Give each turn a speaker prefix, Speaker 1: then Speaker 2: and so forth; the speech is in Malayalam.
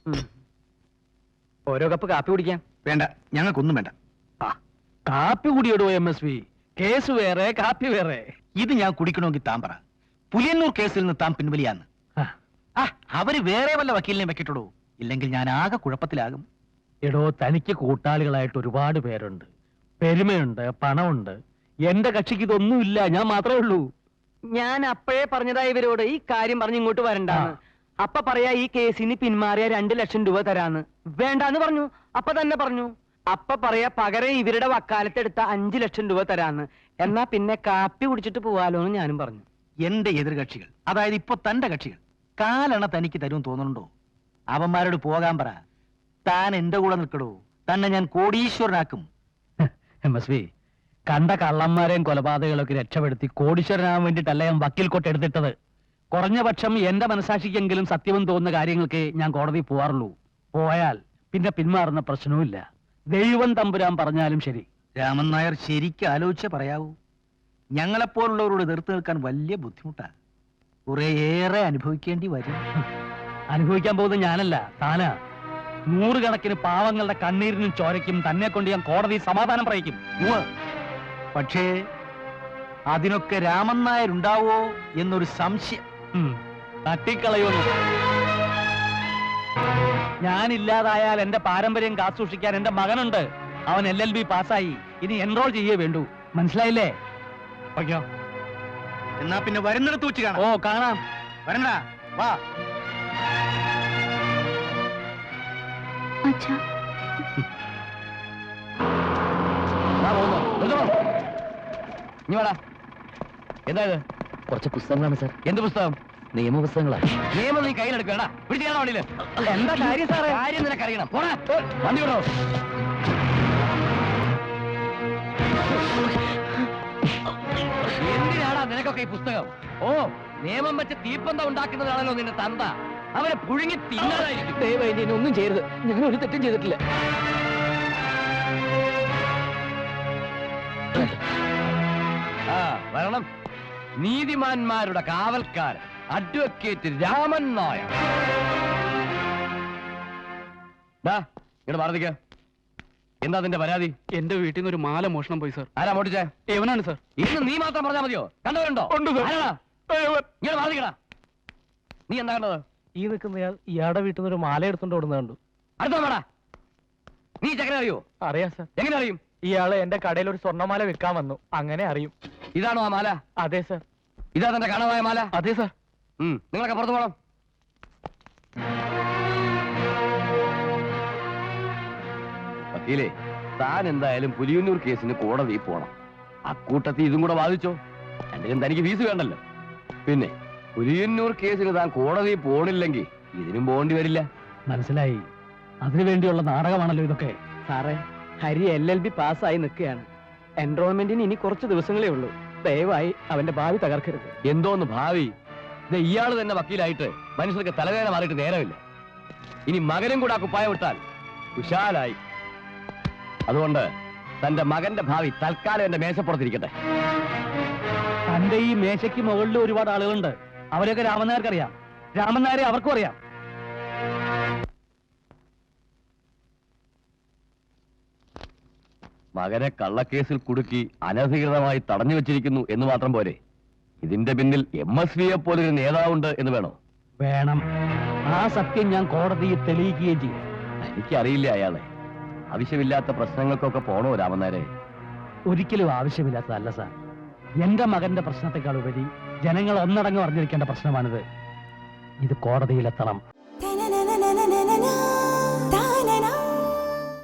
Speaker 1: ഓരോ കപ്പ് കാപ്പി കുടിക്കാം.
Speaker 2: വേണ്ട, ഞങ്ങൾക്കൊന്നും വേണ്ട.
Speaker 1: കാപ്പി കുടിയിടോ MSV. കേസ് വേറെ, കാപ്പി വേറെ.
Speaker 2: ഇത് ഞാൻ കുടിക്കണമെങ്കിൽ താൻ പറ. പുലിയന്നൂർ കേസിൽ നിന്ന് താൻ പിൻവലിയാന്ന്. അവര് വേറെ വല്ല വക്കീലിനെ വെക്കിട്ടുള്ളൂ. ഇല്ലെങ്കിൽ ഞാൻ ആകെ കുഴപ്പത്തിലാകും.
Speaker 1: എടോ, തനിക്ക് കൂട്ടാളികളായിട്ട് ഒരുപാട് പേരുണ്ട്. പെരുമയുണ്ട്, പണമുണ്ട്. എന്റെ കക്ഷിക്ക് ഇതൊന്നുമില്ല. ഞാൻ മാത്രമേ ഉള്ളൂ.
Speaker 3: ഞാൻ അപ്പോഴേ പറഞ്ഞതാ ഇവരോട് ഈ കാര്യം പറഞ്ഞ് ഇങ്ങോട്ട് വരണ്ടാന്ന്. അപ്പ പറയാ ഈ കേസിന് പിന്മാറിയ 2 ലക്ഷം രൂപ തരാന്ന്. വേണ്ടാന്ന് പറഞ്ഞു. അപ്പ തന്നെ പറഞ്ഞു. അപ്പ പറയാ പകരം ഇവരുടെ വക്കാലത്തെടുത്ത 5 ലക്ഷം രൂപ തരാന്ന്. എന്നാ പിന്നെ കാപ്പി കുടിച്ചിട്ട് പോവാലോ എന്ന് ഞാനും പറഞ്ഞു.
Speaker 2: എന്റെ എതിർകക്ഷികൾ, അതായത് ഇപ്പൊ തന്റെ കക്ഷികൾ, കാലെണ്ണ തനിക്ക് തരും തോന്നുന്നുണ്ടോ? അവന്മാരോട് പോകാൻ പറ. താൻ എന്റെ കൂടെ നിൽക്കടോ. തന്നെ ഞാൻ കോടീശ്വരനാക്കും.
Speaker 1: MSV, കണ്ട കള്ളന്മാരെയും കൊലപാതകളൊക്കെ രക്ഷപ്പെടുത്തി കോടീശ്വരനാകാൻ വേണ്ടിയിട്ടല്ല ഞാൻ വക്കീൽ കോട്ട് എടുത്തിട്ടത്. കുറഞ്ഞ പക്ഷം എന്റെ മനസാക്ഷിക്കെങ്കിലും സത്യവും തോന്നുന്ന കാര്യങ്ങൾക്ക് ഞാൻ കോടതി പോവാറുള്ളൂ. പോയാൽ പിന്നെ പിന്മാറുന്ന പ്രശ്നവുമില്ല. ദൈവം തമ്പുരാൻ പറഞ്ഞാലും ശരി.
Speaker 2: രാമൻ നായർ ശരിക്കും ആലോചിച്ചേ പറയാവൂ. ഞങ്ങളെപ്പോലുള്ളവരോട് എതിർത്ത് നിൽക്കാൻ വലിയ ബുദ്ധിമുട്ടാ. കുറേയേറെ അനുഭവിക്കേണ്ടി വരും.
Speaker 1: അനുഭവിക്കാൻ പോകുന്നത് ഞാനല്ല, താനാ. 100 കണക്കിന് പാവങ്ങളുടെ കണ്ണീരിനും ചോരയ്ക്കും തന്നെ കൊണ്ട് ഞാൻ കോടതി സമാധാനം പറയിക്കും.
Speaker 2: പക്ഷേ അതിനൊക്കെ രാമൻ നായർ ഉണ്ടാവോ എന്നൊരു സംശയം.
Speaker 1: തട്ടിക്കളയുന്നു. ഞാനില്ലാതായാൽ എന്റെ പാരമ്പര്യം കാത്തുസൂക്ഷിക്കാൻ എന്റെ മകനുണ്ട്. അവൻ LLB പാസ്സായി. ഇനി എൻറോൾ ചെയ്യേ വേണ്ടൂ. മനസ്സിലായില്ലേ?
Speaker 2: എന്നാ പിന്നെ വരുന്നിടത്ത് വെച്ച് കാണാം.
Speaker 1: ഓ, കാണാം.
Speaker 2: വരണ്ടാ, വാ.
Speaker 1: എന്താ ഇത്?
Speaker 3: കുറച്ച് പുസ്തകങ്ങളാണ് സാർ.
Speaker 1: എന്ത് പുസ്തകം?
Speaker 3: നിയമപുസ്തകങ്ങളാ.
Speaker 1: നിയമം നീ കയ്യിലെടുക്കണ. പിടിച്ചാണോ വണ്ടിയില്? എന്താ കാര്യം സാറേ? കാര്യം നിനക്കറിയണം. പോടാ, വണ്ടി വിടോ. എന്തിനാടാ നിനക്കൊക്കെ ഈ പുസ്തകം? ഓ, നിയമം വെച്ച് തീപ്പന്തം ഉണ്ടാക്കുന്നതാണല്ലോ നിന്റെ തന്ത. അവനെ പുഴുങ്ങി തിന്നതായിരിക്കും.
Speaker 3: ദയവായി എന്നെ ഒന്നും ചെയ്യരുത്. ഞാൻ ഒരു തെറ്റും ചെയ്തിട്ടില്ല.
Speaker 1: വരണം. നീതിമാന്മാരുടെ കാവൽക്കാരൻ അഡ്വക്കേറ്റ് രാമൻ നായർ. ഇവിടെ മാറിക്ക. എന്താ നിന്റെ പരാതി?
Speaker 4: എന്റെ വീട്ടിൽ നിന്ന് ഒരു മാല മോഷണം പോയി സാർ.
Speaker 1: ആരാ മോട്ടിച്ചേ?
Speaker 4: എവനാണ് സാർ.
Speaker 1: ഇന്ന് നീ മാത്രം പറഞ്ഞാൽ മതിയോ? കണ്ടവരുണ്ടോ? ഇങ്ങനെ മാറിക്കടാ. നീ എന്താ കണ്ടത്?
Speaker 4: ഈ നിൽക്കുന്നയാൾ ഇയാളുടെ വീട്ടിൽ നിന്ന് ഒരു മാല എടുത്തോണ്ട് ഓടുന്നത് കണ്ടു.
Speaker 1: അടുത്ത വേടാ. നീ ചക്കര അറിയോ?
Speaker 4: അറിയാം സാർ.
Speaker 1: എങ്ങനെ അറിയും?
Speaker 4: ഇയാള് എന്റെ കടയിൽ ഒരു സ്വർണ്ണമാല വിൽക്കാൻ വന്നു. അങ്ങനെ അറിയും.
Speaker 1: ഇതാണോ ആ മാല?
Speaker 4: അതെ സാർ.
Speaker 1: ഇതാ തന്റെ കാണാതായ മാല?
Speaker 4: അതെ സാർ.
Speaker 1: നിങ്ങളൊക്കെ പുറത്തു പോകണം. വക്കീലേ, താൻ എന്തായാലും പുലിയന്നൂർ കേസിന് കോടതി പോണം. അക്കൂട്ടത്തിൽ ഇതും കൂടെ വാദിച്ചോ. രണ്ടിനും തനിക്ക് ഫീസ് വേണ്ടല്ലോ. പിന്നെ പുലിയന്നൂർ കേസിന് താൻ കോടതി പോണില്ലെങ്കിൽ ഇതിനും പോകേണ്ടി വരില്ല.
Speaker 4: മനസ്സിലായി. അതിനുവേണ്ടിയുള്ള നാടകമാണല്ലോ ഇതൊക്കെ.
Speaker 3: സാറേ, ഹരി LLB പാസ്സായി നിൽക്കുകയാണ്. എൻറോൾമെന്റിന് ഇനി കുറച്ച് ദിവസങ്ങളേ ഉള്ളൂ. ദയവായി അവന്റെ ഭാവി തകർക്കരുത്.
Speaker 1: എന്തോന്ന് ഭാവി? ഇയാള് തന്നെ വക്കീലായിട്ട് മനുഷ്യർക്ക് തലവേദന മാറിയിട്ട് നേരമില്ല. ഇനി മകനും കൂടെ ആ കുപ്പായം വിട്ടാൽ കുശാലായി. അതുകൊണ്ട് തന്റെ മകന്റെ ഭാവി തൽക്കാലം എന്റെ മേശപ്പുറത്തിരിക്കട്ടെ.
Speaker 4: തന്റെ ഈ മേശയ്ക്ക് മുകളിൽ ഒരുപാട് ആളുകളുണ്ട്. അവരെയൊക്കെ രാമൻ നായർക്കറിയാം. രാമൻ നായരെ അവർക്കും അറിയാം.
Speaker 1: മകനെ കള്ളക്കേസിൽ കുടുക്കി അനധികൃതമായി തടഞ്ഞു വെച്ചിരിക്കുന്നു എന്ന് മാത്രം പോരെ, ഇതിന്റെ പിന്നിൽ MSVയെ പോലൊരു നേതാവുണ്ട് എന്ന് വേണോ?
Speaker 4: വേണം. ആ സത്യം ഞാൻ കോടതിയിൽ തെളിയിക്കുകയും ചെയ്യും.
Speaker 1: എനിക്കറിയില്ല അയാളെ. ആവശ്യമില്ലാത്ത പ്രശ്നങ്ങൾക്കൊക്കെ പോണോ രാമനാരെ?
Speaker 4: ഒരിക്കലും ആവശ്യമില്ലാത്തതല്ല സാർ. എന്റെ മകന്റെ പ്രശ്നത്തെക്കാൾ ഉപരി ജനങ്ങൾ ഒന്നടങ്കം അറിഞ്ഞിരിക്കേണ്ട പ്രശ്നമാണിത്. ഇത് കോടതിയിലെത്തണം.